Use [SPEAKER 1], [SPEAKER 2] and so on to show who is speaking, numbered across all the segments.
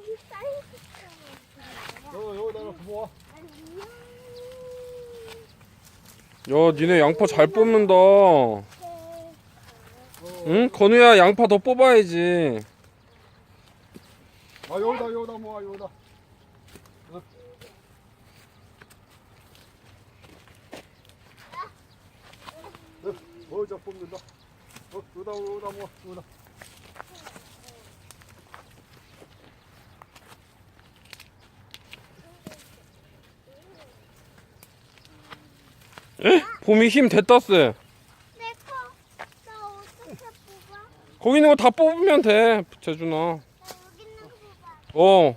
[SPEAKER 1] 여기다가 부어.
[SPEAKER 2] 야, 니네 양파 잘 뽑는다. 응? 건우야, 양파 더 뽑아야지.
[SPEAKER 1] 아, 여기다 모아, 여기다. 어? 자 뽑는다. 여기다 모아, 여기다.
[SPEAKER 2] 에? 봄이 힘 됐다 쎄.
[SPEAKER 3] 내 거. 나 어떻게 뽑아?
[SPEAKER 2] 거기 있는 거 다 뽑으면 돼, 재준아.
[SPEAKER 3] 나 여기 있는 거 뽑아.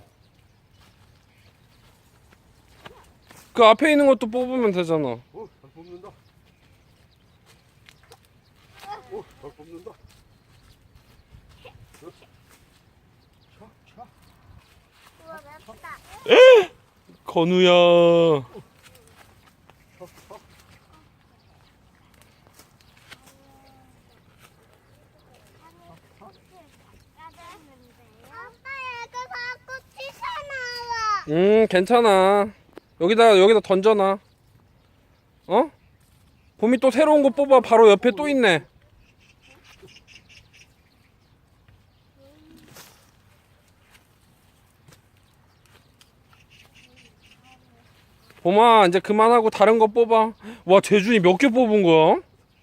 [SPEAKER 2] 그 앞에 있는 것도 뽑으면 되잖아.
[SPEAKER 1] 잘 뽑는다. 잘 뽑는다. 차.
[SPEAKER 3] 우와, 맵다.
[SPEAKER 2] 건우야.
[SPEAKER 3] 아빠, 얘가 자꾸 튀어나와.
[SPEAKER 2] 괜찮아. 여기다 던져놔. 어? 봄이 또 새로운 거 뽑아. 바로 옆에 또 있네. 봄아, 이제 그만하고 다른 거 뽑아. 와, 재준이 몇 개 뽑은 거야?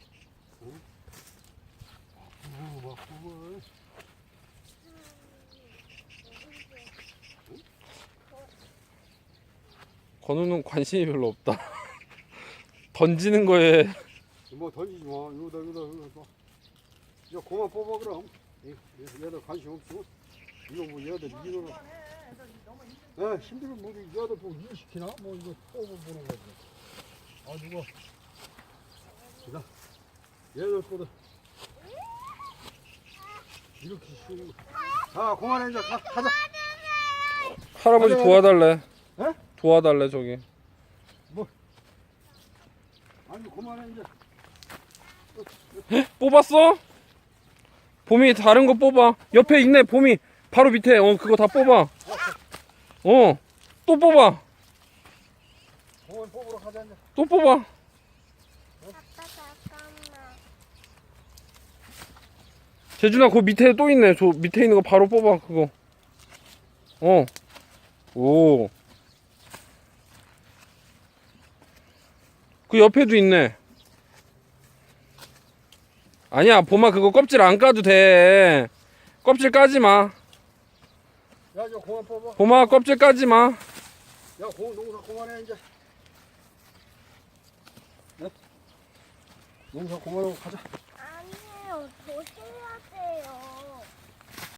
[SPEAKER 2] 건우는 관심이 별로 없다. 던지는 거에.
[SPEAKER 1] 뭐 던지지 마. 여기다. 야, 그만 뽑아 그럼. 얘들 관심 없어. 이거 뭐 얘들 일을. 야, 힘들면 뭐 얘들 뭐 일 시키나? 뭐 이거 뽑아보는 거지. 아, 누가? 자, 얘들 거다. 이렇게 쉬운. 자, 그만해 이제 가자.
[SPEAKER 2] 할아버지
[SPEAKER 1] 아니,
[SPEAKER 2] 도와달래.
[SPEAKER 1] 에?
[SPEAKER 2] 도와달래, 저기.
[SPEAKER 1] 아니, 그만해 이제.
[SPEAKER 2] 뽑았어? 봄이 다른 거 뽑아. 옆에 있네, 봄이. 바로 밑에. 그거 다 뽑아. 또 뽑아.
[SPEAKER 1] 공원 뽑으러 가자 이제.
[SPEAKER 2] 또 뽑아.
[SPEAKER 3] 아빠, 잠깐만.
[SPEAKER 2] 재준아, 그 밑에 또 있네. 저 밑에 있는 거 바로 뽑아, 그거. 오. 그 옆에도 있네. 아니야, 봄아, 그거 껍질 안 까도 돼. 껍질 까지 마.
[SPEAKER 1] 야, 이제 공원 뽑아.
[SPEAKER 2] 봄아, 껍질 까지 마.
[SPEAKER 1] 야, 공원 농사 그만해 이제. 네? 농사 그만하고 가자.